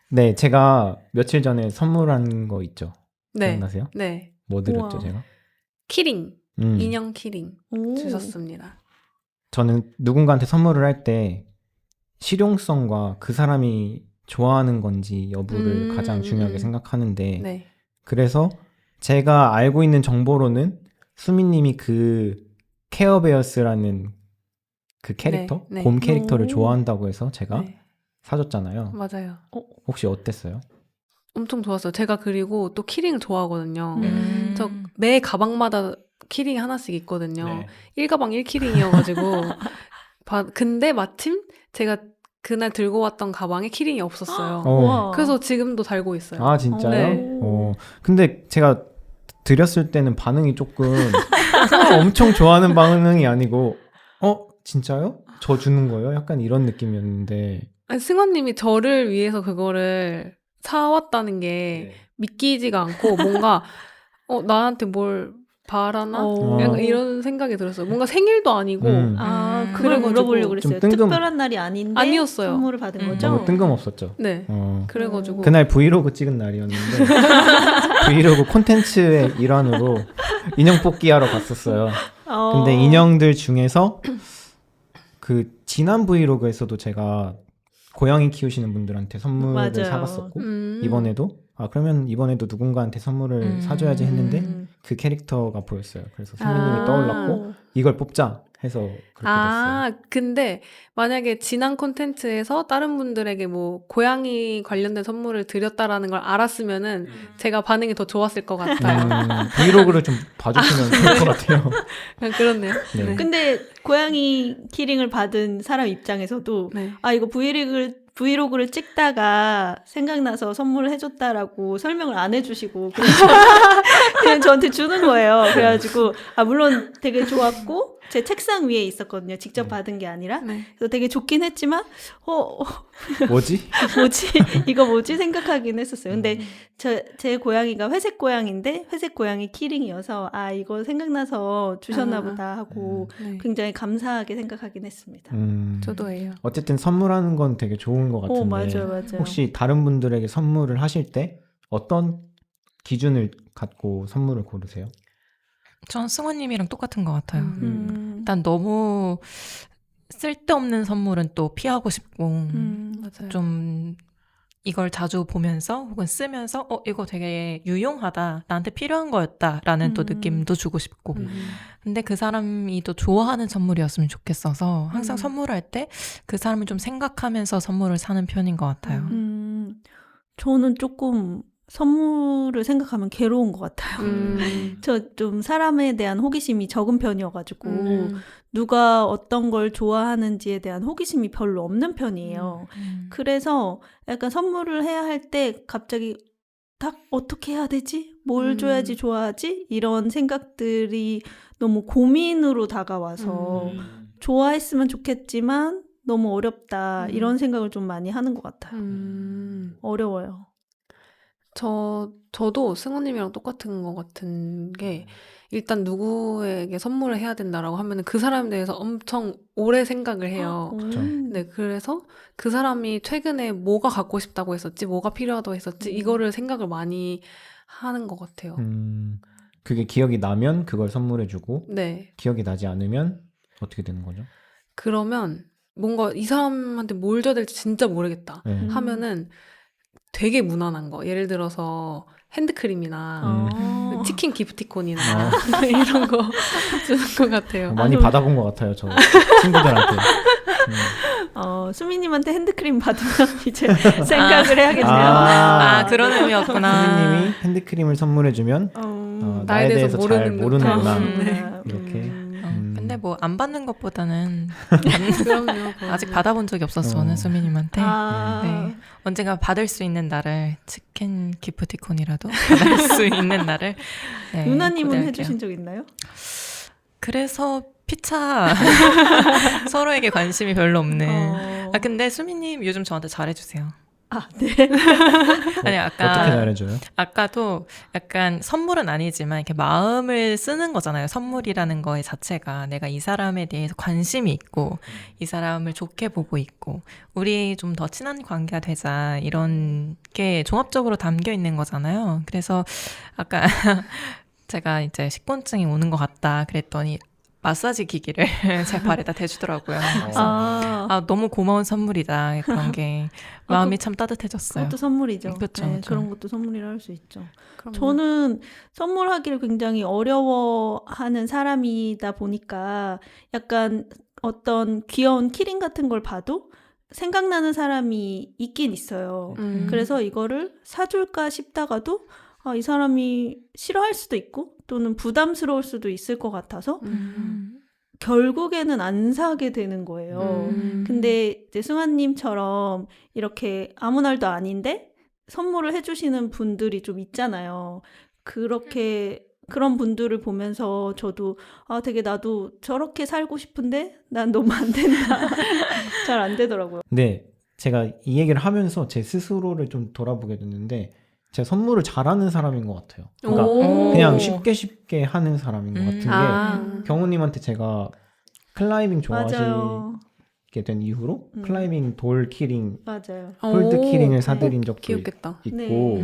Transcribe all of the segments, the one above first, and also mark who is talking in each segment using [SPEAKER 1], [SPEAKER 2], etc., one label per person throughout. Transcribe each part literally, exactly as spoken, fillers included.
[SPEAKER 1] 네, 제가 며칠 전에 선물한 거 있죠.
[SPEAKER 2] 네.
[SPEAKER 1] 기억나세요?
[SPEAKER 2] 네.
[SPEAKER 1] 뭐 드렸죠,
[SPEAKER 3] 우와.
[SPEAKER 1] 제가?
[SPEAKER 2] 키링.
[SPEAKER 1] 음,
[SPEAKER 2] 인형 키링
[SPEAKER 3] 오.
[SPEAKER 2] 주셨습니다.
[SPEAKER 1] 저는 누군가한테 선물을 할 때 실용성과 그 사람이 좋아하는 건지 여부를
[SPEAKER 2] 음,
[SPEAKER 1] 가장 중요하게
[SPEAKER 2] 음.
[SPEAKER 1] 생각하는데
[SPEAKER 2] 네.
[SPEAKER 1] 그래서 제가 알고 있는 정보로는 수미님이 그 케어베어스라는 그 캐릭터,
[SPEAKER 2] 네, 네.
[SPEAKER 1] 곰 캐릭터를
[SPEAKER 3] 오.
[SPEAKER 1] 좋아한다고 해서 제가
[SPEAKER 2] 네.
[SPEAKER 1] 사줬잖아요.
[SPEAKER 2] 맞아요.
[SPEAKER 1] 혹시 어땠어요?
[SPEAKER 2] 엄청 좋았어요. 제가 그리고 또 키링 좋아하거든요.
[SPEAKER 3] 음.
[SPEAKER 2] 저 매 가방마다 키링이 하나씩 있거든요.
[SPEAKER 1] 네.
[SPEAKER 2] 일 가방 일 키링이어가지고. 바- 근데 마침 제가 그날 들고 왔던 가방에 키링이 없었어요.
[SPEAKER 1] 어.
[SPEAKER 3] 우와.
[SPEAKER 2] 그래서 지금도 달고 있어요.
[SPEAKER 1] 아, 진짜요?
[SPEAKER 2] 네.
[SPEAKER 1] 어, 근데 제가 드렸을 때는 반응이 조금 어, 엄청 좋아하는 반응이 아니고 어? 진짜요? 저 주는 거예요? 약간 이런 느낌이었는데
[SPEAKER 2] 아니, 승환님이 저를 위해서 그거를 사왔다는 게 믿기지가 않고 뭔가 어, 나한테 뭘 바라나?
[SPEAKER 3] 어.
[SPEAKER 2] 약간 이런 생각이 들었어요. 뭔가 생일도 아니고
[SPEAKER 1] 음.
[SPEAKER 3] 아,
[SPEAKER 2] 음.
[SPEAKER 3] 그걸
[SPEAKER 2] 그래가지고
[SPEAKER 3] 물어보려고
[SPEAKER 1] 좀
[SPEAKER 3] 그랬어요.
[SPEAKER 1] 뜬금-
[SPEAKER 3] 특별한 날이 아닌데
[SPEAKER 2] 아니었어요.
[SPEAKER 3] 선물을 받은
[SPEAKER 2] 음.
[SPEAKER 3] 거죠?
[SPEAKER 1] 너무 뜬금없었죠.
[SPEAKER 2] 네.
[SPEAKER 1] 어.
[SPEAKER 2] 그래가지고
[SPEAKER 1] 그날 브이로그 찍은 날이었는데 브이로그 콘텐츠의 일환으로 인형 뽑기 하러 갔었어요.
[SPEAKER 3] 어.
[SPEAKER 1] 근데 인형들 중에서 그 지난 브이로그에서도 제가 고양이 키우시는 분들한테 선물을
[SPEAKER 3] 맞아요.
[SPEAKER 1] 사갔었고
[SPEAKER 2] 음.
[SPEAKER 1] 이번에도 아 그러면 이번에도 누군가한테 선물을
[SPEAKER 4] 음.
[SPEAKER 1] 사줘야지 했는데
[SPEAKER 3] 음.
[SPEAKER 1] 그 캐릭터가 보였어요. 그래서 선배님이
[SPEAKER 2] 아.
[SPEAKER 1] 떠올랐고 이걸 뽑자 해서 그렇게 됐어요.
[SPEAKER 2] 아, 근데 만약에 지난 콘텐츠에서 다른 분들에게 뭐 고양이 관련된 선물을 드렸다라는 걸 알았으면은 제가 반응이 더 좋았을 것 같아요.
[SPEAKER 1] 음, 브이로그를 좀 봐주시면 좋을 것 같아요.
[SPEAKER 2] 그냥 그렇네요.
[SPEAKER 1] 네.
[SPEAKER 2] 네.
[SPEAKER 3] 근데 고양이 키링을 받은 사람 입장에서도
[SPEAKER 2] 네.
[SPEAKER 3] 아 이거 브이로그를 브이로그를 찍다가 생각나서 선물을 해줬다라고 설명을 안 해주시고 그냥, 저, 그냥 저한테 주는 거예요. 그래가지고 아 물론 되게 좋았고 제 책상 위에 있었거든요. 직접 받은 게 아니라
[SPEAKER 2] 네.
[SPEAKER 3] 그래서 되게 좋긴 했지만 어, 어
[SPEAKER 1] 뭐지?
[SPEAKER 3] 뭐지 이거 뭐지 생각하긴 했었어요. 근데 저, 제 고양이가 회색 고양인데 회색 고양이 키링이어서 아 이거 생각나서 주셨나
[SPEAKER 2] 아.
[SPEAKER 3] 보다 하고
[SPEAKER 2] 네.
[SPEAKER 3] 굉장히 감사하게 생각하긴 했습니다.
[SPEAKER 1] 음,
[SPEAKER 2] 저도예요.
[SPEAKER 1] 어쨌든 선물하는 건 되게 좋은 것 같은데
[SPEAKER 3] 오 맞아요 맞아요.
[SPEAKER 1] 혹시 다른 분들에게 선물을 하실 때 어떤 기준을 갖고 선물을 고르세요?
[SPEAKER 4] 전 승원님이랑 똑같은 것 같아요.
[SPEAKER 2] 음.
[SPEAKER 3] 음.
[SPEAKER 4] 일단 너무 쓸데없는 선물은 또 피하고 싶고
[SPEAKER 3] 음.
[SPEAKER 2] 맞아요.
[SPEAKER 4] 좀 이걸 자주 보면서 혹은 쓰면서 어 이거 되게 유용하다 나한테 필요한 거였다라는 또
[SPEAKER 3] 음.
[SPEAKER 4] 느낌도 주고 싶고
[SPEAKER 2] 음.
[SPEAKER 4] 근데 그 사람이 또 좋아하는 선물이었으면 좋겠어서 항상
[SPEAKER 3] 음.
[SPEAKER 4] 선물할 때 그 사람을 좀 생각하면서 선물을 사는 편인 것 같아요.
[SPEAKER 3] 음, 저는 조금 선물을 생각하면 괴로운 것 같아요.
[SPEAKER 2] 음.
[SPEAKER 3] 저 좀 사람에 대한 호기심이 적은 편이어가지고
[SPEAKER 2] 음.
[SPEAKER 3] 누가 어떤 걸 좋아하는지에 대한 호기심이 별로 없는 편이에요.
[SPEAKER 4] 음.
[SPEAKER 3] 그래서 약간 선물을 해야 할 때 갑자기 딱 어떻게 해야 되지? 뭘
[SPEAKER 2] 음.
[SPEAKER 3] 줘야지 좋아하지? 이런 생각들이 너무 고민으로 다가와서
[SPEAKER 2] 음.
[SPEAKER 3] 좋아했으면 좋겠지만 너무 어렵다
[SPEAKER 2] 음.
[SPEAKER 3] 이런 생각을 좀 많이 하는 것 같아요.
[SPEAKER 2] 음.
[SPEAKER 3] 어려워요.
[SPEAKER 2] 저, 저도 승우님이랑 똑같은 것 같은 게, 일단 누구에게 선물을 해야 된다라고 하면 그 사람에 대해서 엄청 오래 생각을 해요.
[SPEAKER 3] 음.
[SPEAKER 2] 네, 그래서 그 사람이 최근에 뭐가 갖고 싶다고 했었지, 뭐가 필요하다고 했었지,
[SPEAKER 3] 음.
[SPEAKER 2] 이거를 생각을 많이 하는 것 같아요.
[SPEAKER 1] 음, 그게 기억이 나면 그걸 선물해주고
[SPEAKER 2] 네.
[SPEAKER 1] 기억이 나지 않으면 어떻게 되는 거죠?
[SPEAKER 2] 그러면 뭔가 이 사람한테 뭘 줘야 될지 진짜 모르겠다
[SPEAKER 1] 네.
[SPEAKER 3] 음.
[SPEAKER 2] 하면은 되게 무난한 거. 예를 들어서 핸드크림이나
[SPEAKER 3] 어.
[SPEAKER 2] 치킨 기프티콘이나
[SPEAKER 1] 아.
[SPEAKER 2] 이런 거 주는 것 같아요.
[SPEAKER 1] 많이
[SPEAKER 3] 좀-
[SPEAKER 1] 받아본 것 같아요, 저 친구들한테. 음.
[SPEAKER 3] 어, 수미님한테 핸드크림 받으면 이제 생각을 해야겠네요.
[SPEAKER 1] 아.
[SPEAKER 4] 아 그런 의미였구나.
[SPEAKER 1] 선생님이 핸드크림을 선물해주면
[SPEAKER 3] 어,
[SPEAKER 1] 어,
[SPEAKER 2] 나에
[SPEAKER 1] 나에
[SPEAKER 2] 대해서
[SPEAKER 1] 대해서 잘
[SPEAKER 2] 모르는
[SPEAKER 1] 모르는구나.
[SPEAKER 2] 듯한.
[SPEAKER 3] 음,
[SPEAKER 2] 네.
[SPEAKER 1] 이렇게.
[SPEAKER 3] 음.
[SPEAKER 4] 어,
[SPEAKER 1] 음.
[SPEAKER 4] 근데 뭐 안 받는 것보다는
[SPEAKER 2] 그럼요.
[SPEAKER 4] 아직 받아본 적이 없어서
[SPEAKER 1] 어.
[SPEAKER 4] 저는 수민님한테
[SPEAKER 3] 아,
[SPEAKER 4] 네. 언젠가 받을 수 있는 날을 치킨 기프티콘이라도 받을 수 있는 날을 네,
[SPEAKER 3] 유나님은
[SPEAKER 4] 고대할게요.
[SPEAKER 3] 해주신 적 있나요?
[SPEAKER 4] 그래서 피차 서로에게 관심이 별로 없는
[SPEAKER 3] 어.
[SPEAKER 4] 아 근데 수민님 요즘 저한테 잘해주세요.
[SPEAKER 3] 아, 네.
[SPEAKER 4] 아니, 아까
[SPEAKER 1] 어떻게 잘해줘요?
[SPEAKER 4] 아까도 약간 선물은 아니지만 이렇게 마음을 쓰는 거잖아요. 선물이라는 거의 자체가 내가 이 사람에 대해서 관심이 있고 이 사람을 좋게 보고 있고 우리 좀 더 친한 관계가 되자 이런 게 종합적으로 담겨 있는 거잖아요. 그래서 아까 제가 이제 식곤증이 오는 것 같다 그랬더니 마사지 기기를 제 발에다 대주더라고요. 그래서
[SPEAKER 3] 아,
[SPEAKER 4] 아, 너무 고마운 선물이다. 그런 게
[SPEAKER 3] 아,
[SPEAKER 4] 마음이
[SPEAKER 3] 그-
[SPEAKER 4] 참 따뜻해졌어요.
[SPEAKER 3] 그것도 선물이죠.
[SPEAKER 4] 그쵸,
[SPEAKER 3] 네,
[SPEAKER 4] 그쵸.
[SPEAKER 3] 그런 것도 선물이라 할 수 있죠.
[SPEAKER 2] 그럼요.
[SPEAKER 3] 저는 선물하기를 굉장히 어려워하는 사람이다 보니까 약간 어떤 귀여운 키링 같은 걸 봐도 생각나는 사람이 있긴 있어요.
[SPEAKER 2] 음.
[SPEAKER 3] 그래서 이거를 사줄까 싶다가도 아, 이 사람이 싫어할 수도 있고 또는 부담스러울 수도 있을 것 같아서
[SPEAKER 2] 음.
[SPEAKER 3] 결국에는 안 사게 되는 거예요.
[SPEAKER 2] 음.
[SPEAKER 3] 근데 이제 승환님처럼 이렇게 아무 날도 아닌데 선물을 해주시는 분들이 좀 있잖아요. 그렇게 그런 분들을 보면서 저도 아 되게 나도 저렇게 살고 싶은데 난 너무 안 된다. 잘 안 되더라고요.
[SPEAKER 1] 근데 제가 이 얘기를 하면서 제 스스로를 좀 돌아보게 됐는데 제가 선물을 잘하는 사람인 것 같아요. 그러니까
[SPEAKER 2] 오.
[SPEAKER 1] 그냥 쉽게 쉽게 하는 사람인 것
[SPEAKER 4] 음.
[SPEAKER 1] 같은 게
[SPEAKER 2] 아.
[SPEAKER 1] 경우님한테 제가 클라이밍 좋아하시게
[SPEAKER 3] 맞아요.
[SPEAKER 1] 된 이후로
[SPEAKER 3] 음.
[SPEAKER 1] 클라이밍 돌 키링,
[SPEAKER 3] 맞아요.
[SPEAKER 1] 폴드
[SPEAKER 2] 오.
[SPEAKER 1] 키링을 사드린 적도
[SPEAKER 2] 귀엽겠다.
[SPEAKER 1] 있고
[SPEAKER 3] 네.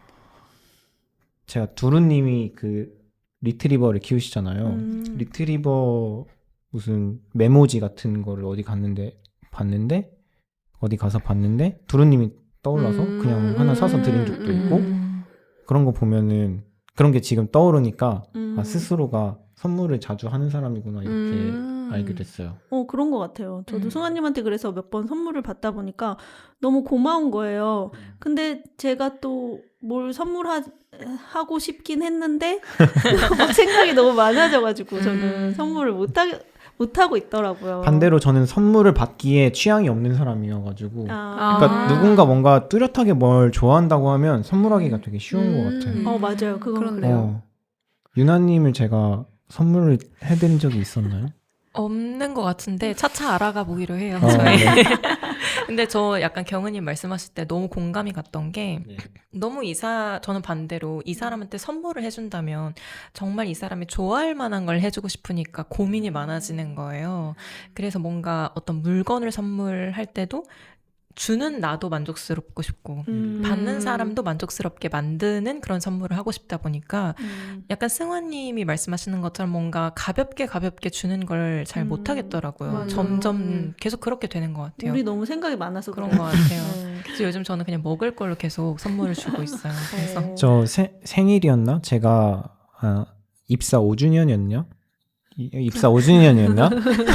[SPEAKER 1] 제가 두루님이 그 리트리버를 키우시잖아요.
[SPEAKER 3] 음.
[SPEAKER 1] 리트리버 무슨 메모지 같은 거를 어디 갔는데 봤는데 어디 가서 봤는데 두루님이 떠올라서
[SPEAKER 2] 음.
[SPEAKER 1] 그냥 하나 사서 드린 적도 있고
[SPEAKER 4] 음.
[SPEAKER 1] 그런 거 보면은 그런 게 지금 떠오르니까
[SPEAKER 3] 음.
[SPEAKER 1] 아, 스스로가 선물을 자주 하는 사람이구나 이렇게
[SPEAKER 2] 음.
[SPEAKER 1] 알게 됐어요.
[SPEAKER 3] 어, 그런 것 같아요. 저도
[SPEAKER 4] 음.
[SPEAKER 3] 승환님한테 그래서 몇 번 선물을 받다 보니까 너무 고마운 거예요. 근데 제가 또 뭘 선물하고 싶긴 했는데 막 생각이 너무 많아져가지고 저는
[SPEAKER 4] 음.
[SPEAKER 3] 선물을 못, 하, 못 하고 있더라고요.
[SPEAKER 1] 반대로 저는 선물을 받기에 취향이 없는 사람이어가지고
[SPEAKER 3] 아,
[SPEAKER 1] 그러니까
[SPEAKER 2] 아.
[SPEAKER 1] 누군가 뭔가 뚜렷하게 뭘 좋아한다고 하면 선물하기가 되게 쉬운
[SPEAKER 2] 음.
[SPEAKER 1] 것 같아요.
[SPEAKER 3] 어, 맞아요. 그건
[SPEAKER 2] 그렇네요.
[SPEAKER 3] 그래요.
[SPEAKER 1] 어, 유나님을 제가 선물을 해드린 적이 있었나요?
[SPEAKER 4] 없는 것 같은데 차차 알아가 보기로 해요.
[SPEAKER 1] 어,
[SPEAKER 4] 저희.
[SPEAKER 1] 네.
[SPEAKER 4] 근데 저 약간 경은님 말씀하실 때 너무 공감이 갔던 게 너무 이사 저는 반대로 이 사람한테 선물을 해준다면 정말 이 사람이 좋아할 만한 걸 해주고 싶으니까 고민이 많아지는 거예요. 그래서 뭔가 어떤 물건을 선물할 때도 주는 나도 만족스럽고 싶고
[SPEAKER 3] 음.
[SPEAKER 4] 받는 사람도 만족스럽게 만드는 그런 선물을 하고 싶다 보니까
[SPEAKER 3] 음.
[SPEAKER 4] 약간 승환님이 말씀하시는 것처럼 뭔가 가볍게 가볍게 주는 걸 잘
[SPEAKER 3] 음.
[SPEAKER 4] 못하겠더라고요.
[SPEAKER 3] 맞아요.
[SPEAKER 4] 점점
[SPEAKER 2] 음.
[SPEAKER 4] 계속 그렇게 되는 것 같아요.
[SPEAKER 3] 우리 너무 생각이 많아서
[SPEAKER 4] 그런
[SPEAKER 3] 그래요.
[SPEAKER 4] 것 같아요.
[SPEAKER 3] 네.
[SPEAKER 4] 그래서 요즘 저는 그냥 먹을 걸로 계속 선물을 주고 있어요. 그래서
[SPEAKER 3] 어.
[SPEAKER 1] 저 세- 생일이었나? 제가 아, 입사 오 주년이었냐? 이- 입사 오 주년이었나?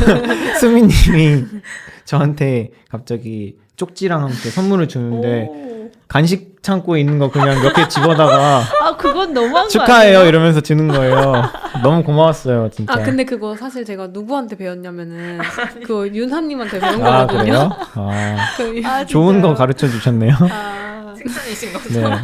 [SPEAKER 1] 수미님이 저한테 갑자기 쪽지랑 함께 선물을 주는데
[SPEAKER 3] 오.
[SPEAKER 1] 간식 창고에 있는 거 그냥 몇 개 집어다가
[SPEAKER 3] 아, 그건 너무한 거
[SPEAKER 1] 축하해요
[SPEAKER 3] 아니에요?
[SPEAKER 1] 이러면서 주는 거예요. 너무 고마웠어요 진짜.
[SPEAKER 2] 아 근데 그거 사실 제가 누구한테 배웠냐면은 그 윤하님한테 배운
[SPEAKER 1] 아,
[SPEAKER 2] 거거든요.
[SPEAKER 1] 그래요? 아,
[SPEAKER 2] 그
[SPEAKER 3] 아,
[SPEAKER 1] 좋은
[SPEAKER 3] 진짜요?
[SPEAKER 1] 거 가르쳐 주셨네요.
[SPEAKER 3] 아.
[SPEAKER 4] 칭찬이신 거죠?
[SPEAKER 1] 네.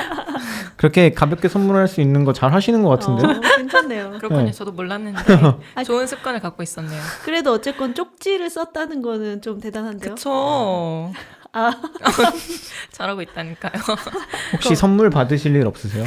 [SPEAKER 1] 그렇게 가볍게 선물할 수 있는 거 잘 하시는 것 같은데.
[SPEAKER 3] 어, 괜찮네요.
[SPEAKER 4] 그렇군요.
[SPEAKER 1] 네.
[SPEAKER 4] 저도 몰랐는데
[SPEAKER 3] 아,
[SPEAKER 4] 좋은 습관을 갖고 있었네요.
[SPEAKER 3] 그래도 어쨌건 쪽지를 썼다는 거는 좀 대단한데요.
[SPEAKER 4] 그쵸.
[SPEAKER 3] 아.
[SPEAKER 4] 잘하고 있다니까요.
[SPEAKER 1] 혹시 선물 받으실 일 없으세요?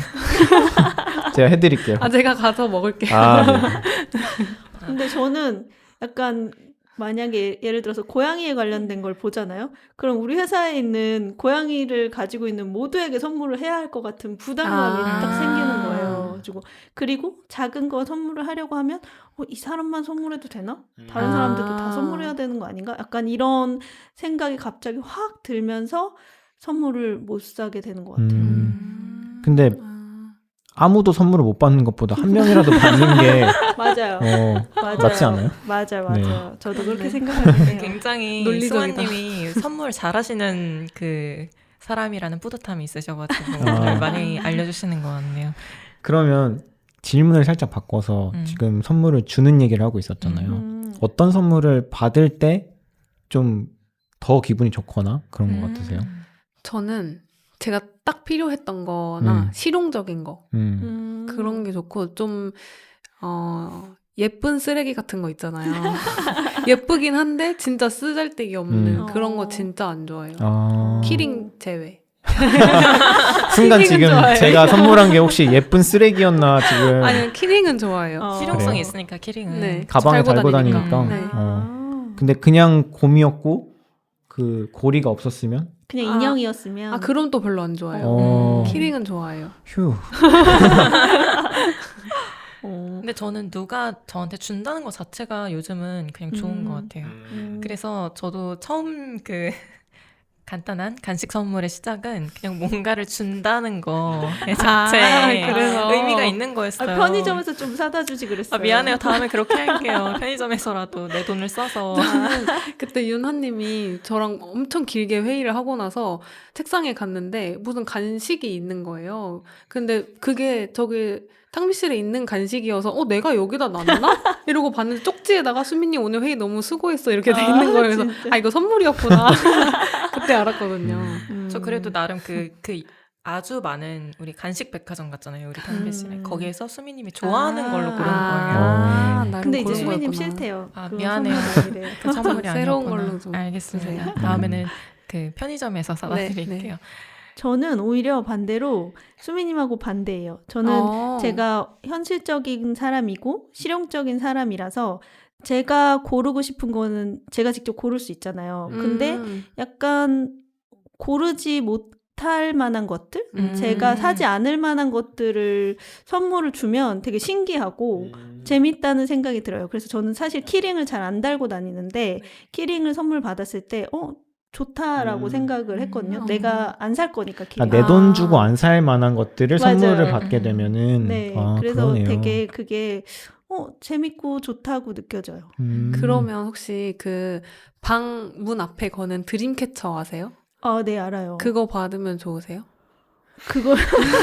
[SPEAKER 1] 제가 해드릴게요.
[SPEAKER 2] 아 제가 가서 먹을게요.
[SPEAKER 1] 아, 네.
[SPEAKER 3] 근데 저는 약간 만약에 예를 들어서 고양이에 관련된 걸 보잖아요. 그럼 우리 회사에 있는 고양이를 가지고 있는 모두에게 선물을 해야 할 것 같은 부담감이
[SPEAKER 2] 아.
[SPEAKER 3] 딱 생기는 거예요. 그리고 그리고 작은 거 선물을 하려고 하면 어, 이 사람만 선물해도 되나? 다른
[SPEAKER 2] 아.
[SPEAKER 3] 사람들도 다 선물해야 되는 거 아닌가? 약간 이런 생각이 갑자기 확 들면서 선물을 못 사게 되는 것 같아요.
[SPEAKER 1] 음, 근데
[SPEAKER 2] 아.
[SPEAKER 1] 아무도 선물을 못 받는 것보다 한 명이라도 받는 게
[SPEAKER 3] 맞아요.
[SPEAKER 1] 어,
[SPEAKER 3] 맞아요.
[SPEAKER 1] 낫지 않아요?
[SPEAKER 3] 맞아요,
[SPEAKER 1] 네.
[SPEAKER 3] 맞아요. 저도 그렇게
[SPEAKER 2] 네.
[SPEAKER 3] 생각하긴 해요.
[SPEAKER 4] 굉장히
[SPEAKER 2] 논리적이다.
[SPEAKER 4] 수아님이 선물 잘하시는 그 사람이라는 뿌듯함이 있으셔가지고
[SPEAKER 1] 아.
[SPEAKER 4] 오늘 많이 알려주시는 것 같네요.
[SPEAKER 1] 그러면 질문을 살짝 바꿔서
[SPEAKER 4] 음.
[SPEAKER 1] 지금 선물을 주는 얘기를 하고 있었잖아요.
[SPEAKER 3] 음.
[SPEAKER 1] 어떤 선물을 받을 때 좀 더 기분이 좋거나 그런 것
[SPEAKER 4] 음.
[SPEAKER 1] 같으세요?
[SPEAKER 2] 저는 제가 딱 필요했던 거나
[SPEAKER 1] 음.
[SPEAKER 2] 실용적인 거
[SPEAKER 1] 음.
[SPEAKER 3] 음.
[SPEAKER 2] 그런 게 좋고 좀 어, 예쁜 쓰레기 같은 거 있잖아요. 예쁘긴 한데 진짜 쓰잘데기 없는
[SPEAKER 1] 음.
[SPEAKER 2] 그런 거
[SPEAKER 3] 어.
[SPEAKER 2] 진짜 안 좋아해요.
[SPEAKER 1] 아,
[SPEAKER 2] 키링 제외.
[SPEAKER 1] 순간
[SPEAKER 2] 키링은
[SPEAKER 1] 지금
[SPEAKER 2] 좋아해.
[SPEAKER 1] 제가 선물한 게 혹시 예쁜 쓰레기였나 지금
[SPEAKER 2] 아니요, 키링은 좋아해요.
[SPEAKER 3] 어.
[SPEAKER 4] 실용성이
[SPEAKER 1] 그래요?
[SPEAKER 4] 있으니까 키링은.
[SPEAKER 2] 네.
[SPEAKER 1] 가방에
[SPEAKER 2] 달고
[SPEAKER 1] 달고
[SPEAKER 2] 다니니까.
[SPEAKER 1] 다니니까.
[SPEAKER 2] 네.
[SPEAKER 1] 어.
[SPEAKER 3] 아.
[SPEAKER 1] 근데 그냥 곰이었고 그 고리가 없었으면
[SPEAKER 3] 그냥
[SPEAKER 2] 아.
[SPEAKER 3] 인형이었으면
[SPEAKER 2] 아, 그럼 또 별로 안 좋아해요.
[SPEAKER 1] 어.
[SPEAKER 2] 키링은 좋아해요.
[SPEAKER 1] 휴.
[SPEAKER 3] 어.
[SPEAKER 4] 근데 저는 누가 저한테 준다는 것 자체가 요즘은 그냥 좋은
[SPEAKER 3] 음.
[SPEAKER 4] 것 같아요.
[SPEAKER 3] 음.
[SPEAKER 4] 그래서 저도 처음 그 간단한 간식 선물의 시작은 그냥 뭔가를 준다는 거의 자체에
[SPEAKER 2] 아, 그래서.
[SPEAKER 4] 의미가 있는
[SPEAKER 3] 아,
[SPEAKER 4] 거였어요.
[SPEAKER 3] 편의점에서 좀 사다 주지 그랬어요.
[SPEAKER 4] 아, 미안해요. 다음에 그렇게 할게요. 편의점에서라도 내 돈을 써서.
[SPEAKER 2] 그때 윤하님이 저랑 엄청 길게 회의를 하고 나서 책상에 갔는데 무슨 간식이 있는 거예요. 근데 그게 저기 탕비실에 있는 간식이어서 어 내가 여기다 놨나? 이러고 봤는데 쪽지에다가 수민님 오늘 회의 너무 수고했어 이렇게 돼
[SPEAKER 3] 아,
[SPEAKER 2] 있는 거예요. 그래서
[SPEAKER 3] 진짜?
[SPEAKER 2] 아 이거 선물이었구나. 그때 알았거든요.
[SPEAKER 3] 음.
[SPEAKER 4] 저 그래도 나름 그, 그 아주 많은 우리 간식 백화점 갔잖아요. 우리 탕비실에.
[SPEAKER 3] 음.
[SPEAKER 4] 거기에서 수민님이 좋아하는
[SPEAKER 3] 아.
[SPEAKER 4] 걸로 고른 거예요.
[SPEAKER 2] 아,
[SPEAKER 1] 어.
[SPEAKER 2] 나름
[SPEAKER 3] 근데 이제
[SPEAKER 2] 고른
[SPEAKER 3] 수민님
[SPEAKER 2] 거였구나.
[SPEAKER 3] 싫대요.
[SPEAKER 4] 아,
[SPEAKER 3] 그건
[SPEAKER 4] 미안해요.
[SPEAKER 3] 선물 아니래요.
[SPEAKER 4] 그 선물이
[SPEAKER 2] 새로운
[SPEAKER 4] 아니었구나.
[SPEAKER 2] 걸로 좀
[SPEAKER 4] 알겠습니다.
[SPEAKER 2] 주세요.
[SPEAKER 4] 다음에는 그 편의점에서 사다
[SPEAKER 2] 네,
[SPEAKER 4] 드릴게요.
[SPEAKER 3] 저는 오히려 반대로 수미님하고 반대예요. 저는
[SPEAKER 2] 어.
[SPEAKER 3] 제가 현실적인 사람이고 실용적인 사람이라서 제가 고르고 싶은 거는 제가 직접 고를 수 있잖아요. 근데
[SPEAKER 2] 음.
[SPEAKER 3] 약간 고르지 못할 만한 것들?
[SPEAKER 2] 음.
[SPEAKER 3] 제가 사지 않을 만한 것들을 선물을 주면 되게 신기하고 재밌다는 생각이 들어요. 그래서 저는 사실 키링을 잘 안 달고 다니는데 키링을 선물 받았을 때 어? 좋다라고
[SPEAKER 1] 음.
[SPEAKER 3] 생각을 했거든요.
[SPEAKER 2] 음.
[SPEAKER 3] 내가 안 살 거니까 키링.
[SPEAKER 1] 내 돈
[SPEAKER 2] 아.
[SPEAKER 1] 주고 안 살 만한 것들을
[SPEAKER 3] 맞아요.
[SPEAKER 1] 선물을 받게
[SPEAKER 4] 음.
[SPEAKER 1] 되면은
[SPEAKER 3] 네,
[SPEAKER 1] 아,
[SPEAKER 3] 그래서
[SPEAKER 1] 그러네요.
[SPEAKER 3] 되게 그게 어, 재밌고 좋다고 느껴져요.
[SPEAKER 1] 음.
[SPEAKER 2] 그러면 혹시 그 방 문 앞에 거는 드림캐쳐 아세요?
[SPEAKER 3] 아, 네, 알아요.
[SPEAKER 2] 그거 받으면 좋으세요?
[SPEAKER 3] 그걸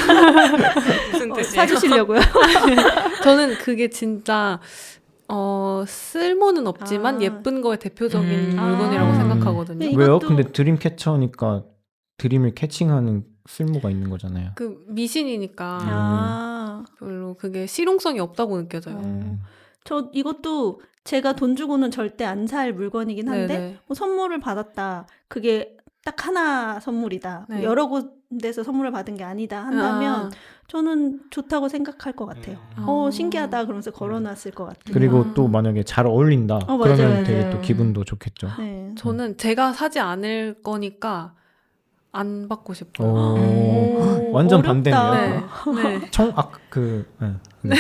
[SPEAKER 4] 무슨
[SPEAKER 3] 어,
[SPEAKER 4] 뜻이에요?
[SPEAKER 3] 사주시려고요?
[SPEAKER 2] 저는 그게 진짜 어, 쓸모는 없지만
[SPEAKER 3] 아.
[SPEAKER 2] 예쁜 거의 대표적인
[SPEAKER 4] 음.
[SPEAKER 2] 물건이라고
[SPEAKER 3] 아.
[SPEAKER 2] 생각하거든요.
[SPEAKER 3] 네,
[SPEAKER 1] 왜요?
[SPEAKER 3] 이것도-
[SPEAKER 1] 근데 드림 캐쳐니까 드림을 캐칭하는 쓸모가 있는 거잖아요.
[SPEAKER 2] 그 미신이니까
[SPEAKER 3] 아,
[SPEAKER 2] 별로 그게 실용성이 없다고 느껴져요.
[SPEAKER 3] 어.
[SPEAKER 1] 음.
[SPEAKER 3] 저 이것도 제가 돈 주고는 절대 안 살 물건이긴 한데
[SPEAKER 2] 네네.
[SPEAKER 3] 뭐 선물을 받았다. 그게 딱 하나 선물이다.
[SPEAKER 2] 네.
[SPEAKER 3] 여러 곳에서 선물을 받은 게 아니다 한다면
[SPEAKER 2] 아.
[SPEAKER 3] 저는 좋다고 생각할 것 같아요.
[SPEAKER 2] 음.
[SPEAKER 3] 어, 신기하다 그러면서 걸어놨을 것 같아요.
[SPEAKER 1] 그리고
[SPEAKER 2] 음.
[SPEAKER 1] 또 만약에 잘 어울린다.
[SPEAKER 3] 어, 맞아요,
[SPEAKER 1] 그러면 되게
[SPEAKER 3] 맞아요.
[SPEAKER 1] 또 기분도 좋겠죠.
[SPEAKER 3] 네.
[SPEAKER 2] 저는 제가 사지 않을 거니까 안 받고 싶어요.
[SPEAKER 1] 오.
[SPEAKER 3] 오,
[SPEAKER 1] 완전
[SPEAKER 3] 어렵다.
[SPEAKER 1] 반대네요.
[SPEAKER 2] 네.
[SPEAKER 1] 청, 아, 그, 네. 네. 네.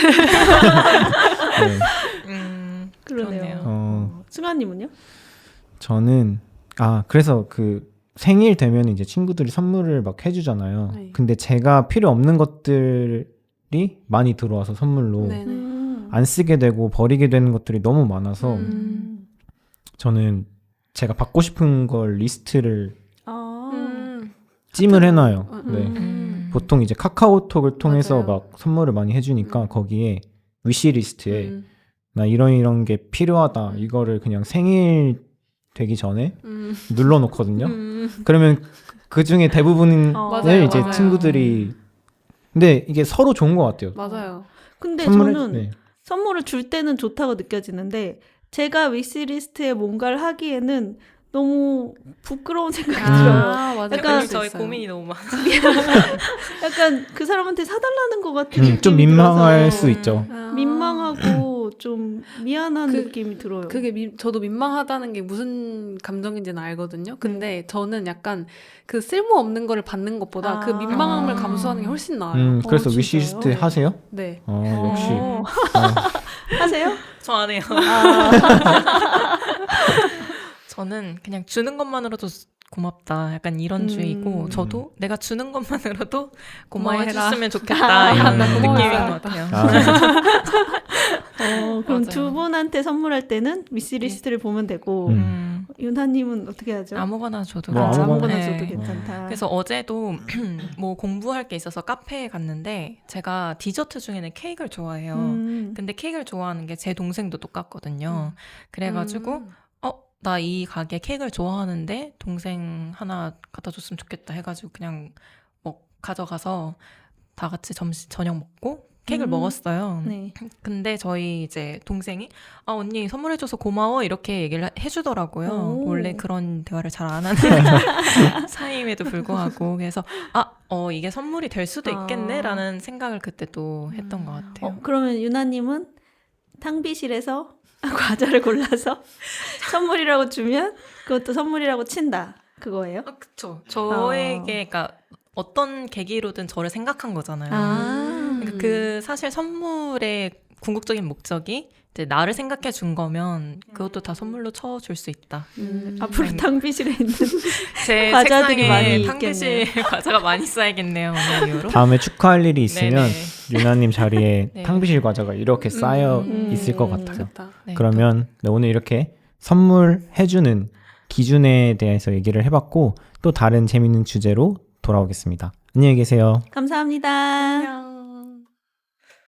[SPEAKER 4] 음,
[SPEAKER 3] 그러네요.
[SPEAKER 4] 그러네요.
[SPEAKER 1] 어,
[SPEAKER 3] 승아님은요?
[SPEAKER 1] 저는, 아, 그래서 그 생일 되면 이제 친구들이 선물을 막 해주잖아요.
[SPEAKER 2] 네.
[SPEAKER 1] 근데 제가 필요 없는 것들이 많이 들어와서 선물로
[SPEAKER 2] 네네.
[SPEAKER 3] 음.
[SPEAKER 1] 안 쓰게 되고 버리게 되는 것들이 너무 많아서
[SPEAKER 2] 음.
[SPEAKER 1] 저는 제가 받고 싶은 걸 리스트를
[SPEAKER 3] 아.
[SPEAKER 2] 음.
[SPEAKER 1] 찜을 해놔요.
[SPEAKER 2] 음.
[SPEAKER 1] 네.
[SPEAKER 4] 음.
[SPEAKER 1] 보통 이제 카카오톡을 통해서
[SPEAKER 2] 맞아요.
[SPEAKER 1] 막 선물을 많이 해주니까
[SPEAKER 2] 음.
[SPEAKER 1] 거기에 위시리스트에
[SPEAKER 2] 음.
[SPEAKER 1] 나 이런 이런 게 필요하다
[SPEAKER 2] 음.
[SPEAKER 1] 이거를 그냥 생일 되기 전에
[SPEAKER 2] 음.
[SPEAKER 1] 눌러놓거든요.
[SPEAKER 2] 음.
[SPEAKER 1] 그러면 그 중에 대부분을
[SPEAKER 3] 어.
[SPEAKER 2] 맞아요,
[SPEAKER 1] 이제
[SPEAKER 2] 맞아요.
[SPEAKER 1] 친구들이 근데 이게 서로 좋은 것 같아요.
[SPEAKER 2] 맞아요.
[SPEAKER 3] 근데
[SPEAKER 1] 선물해-
[SPEAKER 3] 저는
[SPEAKER 1] 네.
[SPEAKER 3] 선물을 줄 때는 좋다고 느껴지는데 제가 위시리스트에 뭔가를 하기에는 너무 부끄러운 생각이 들어요.
[SPEAKER 2] 아, 맞아요.
[SPEAKER 3] 약간
[SPEAKER 2] 그럴 수
[SPEAKER 4] 저희
[SPEAKER 2] 있어요.
[SPEAKER 4] 고민이 너무 많아.
[SPEAKER 3] 약간 그 사람한테 사달라는 것 같은
[SPEAKER 1] 음,
[SPEAKER 3] 느낌이
[SPEAKER 1] 좀 민망할
[SPEAKER 3] 들어서
[SPEAKER 1] 수 있죠.
[SPEAKER 2] 아.
[SPEAKER 3] 민망하고 좀 미안한
[SPEAKER 2] 그-
[SPEAKER 3] 느낌이 들어요.
[SPEAKER 2] 그게 미, 저도 민망하다는 게 무슨 감정인지는 알거든요. 근데 저는 약간 그 쓸모없는 거를 받는 것보다 그
[SPEAKER 3] 아.
[SPEAKER 2] 민망함을
[SPEAKER 4] 아.
[SPEAKER 2] 감수하는 게 훨씬 나아요.
[SPEAKER 1] 음,
[SPEAKER 3] 어,
[SPEAKER 1] 그래서
[SPEAKER 3] 진짜요?
[SPEAKER 1] 위시리스트 하세요?
[SPEAKER 2] 네.
[SPEAKER 1] 어, 역시.
[SPEAKER 3] 어.
[SPEAKER 1] 어,
[SPEAKER 3] 하세요?
[SPEAKER 4] 저 안 해요.
[SPEAKER 3] 아,
[SPEAKER 4] 저는 그냥 주는 것만으로도 고맙다. 약간 이런
[SPEAKER 3] 음.
[SPEAKER 4] 주의고 저도 내가 주는 것만으로도
[SPEAKER 2] 고마워해라.
[SPEAKER 4] 고마워해줬으면 좋겠다. 이런
[SPEAKER 1] 나
[SPEAKER 4] 느낌인
[SPEAKER 2] 고마워해야겠다.
[SPEAKER 4] 것 같아요.
[SPEAKER 1] 아,
[SPEAKER 3] 어, 그럼
[SPEAKER 4] 맞아요.
[SPEAKER 3] 두 분한테 선물할 때는 위시리스트를 보면 되고
[SPEAKER 1] 음.
[SPEAKER 4] 음,
[SPEAKER 3] 윤하님은 어떻게 하죠?
[SPEAKER 4] 아무거나 줘도
[SPEAKER 1] 뭐
[SPEAKER 3] 아,
[SPEAKER 1] 아무거나.
[SPEAKER 3] 아무거나
[SPEAKER 4] 네.
[SPEAKER 3] 줘도 괜찮다.
[SPEAKER 4] 그래서 어제도 뭐 공부할 게 있어서 카페에 갔는데 제가 디저트 중에는 케이크를 좋아해요.
[SPEAKER 3] 음.
[SPEAKER 4] 근데 케이크를 좋아하는 게 제 동생도 똑같거든요. 그래가지고
[SPEAKER 2] 음.
[SPEAKER 4] 어, 나 이 가게 케이크를 좋아하는데 동생 하나 갖다 줬으면 좋겠다 해가지고 그냥 뭐 가져가서 다 같이 점심 저녁 먹고 케이크를
[SPEAKER 3] 음.
[SPEAKER 4] 먹었어요.
[SPEAKER 3] 네.
[SPEAKER 4] 근데 저희 이제 동생이 아 언니 선물해줘서 고마워 이렇게 얘기를 하- 해주더라고요.
[SPEAKER 3] 오.
[SPEAKER 4] 원래 그런 대화를 잘 안 하는 사이임에도 불구하고 그래서 아 어 이게 선물이 될 수도
[SPEAKER 3] 아.
[SPEAKER 4] 있겠네라는 생각을 그때 또 했던 것 같아요.
[SPEAKER 3] 어, 그러면 유나님은 탕비실에서 과자를 골라서 선물이라고 주면 그것도 선물이라고 친다. 그거예요?
[SPEAKER 4] 아, 그쵸. 저에게 그러니까 어떤 계기로든 저를 생각한 거잖아요.
[SPEAKER 3] 아.
[SPEAKER 4] 그러니까 그 사실 선물의 궁극적인 목적이 이제 나를 생각해 준 거면 그것도 다 선물로 쳐줄 수 있다.
[SPEAKER 3] 음,
[SPEAKER 2] 음.
[SPEAKER 3] 앞으로 탕비실에 있는
[SPEAKER 4] 제
[SPEAKER 3] 과자들이 많이
[SPEAKER 4] 책상에
[SPEAKER 3] 있겠네요.
[SPEAKER 4] 탕비실 과자가 많이 쌓이겠네요. 오늘 이후로.
[SPEAKER 1] 다음에 축하할 일이 있으면
[SPEAKER 4] 네네.
[SPEAKER 1] 유나님 자리에
[SPEAKER 4] 네.
[SPEAKER 1] 탕비실 과자가 이렇게 쌓여
[SPEAKER 4] 음.
[SPEAKER 1] 있을 것 같아요.
[SPEAKER 2] 좋다.
[SPEAKER 4] 네,
[SPEAKER 1] 그러면 네, 오늘 이렇게 선물해주는 기준에 대해서 얘기를 해봤고 또 다른 재밌는 주제로 돌아오겠습니다. 안녕히 계세요.
[SPEAKER 3] 감사합니다.
[SPEAKER 2] 안녕.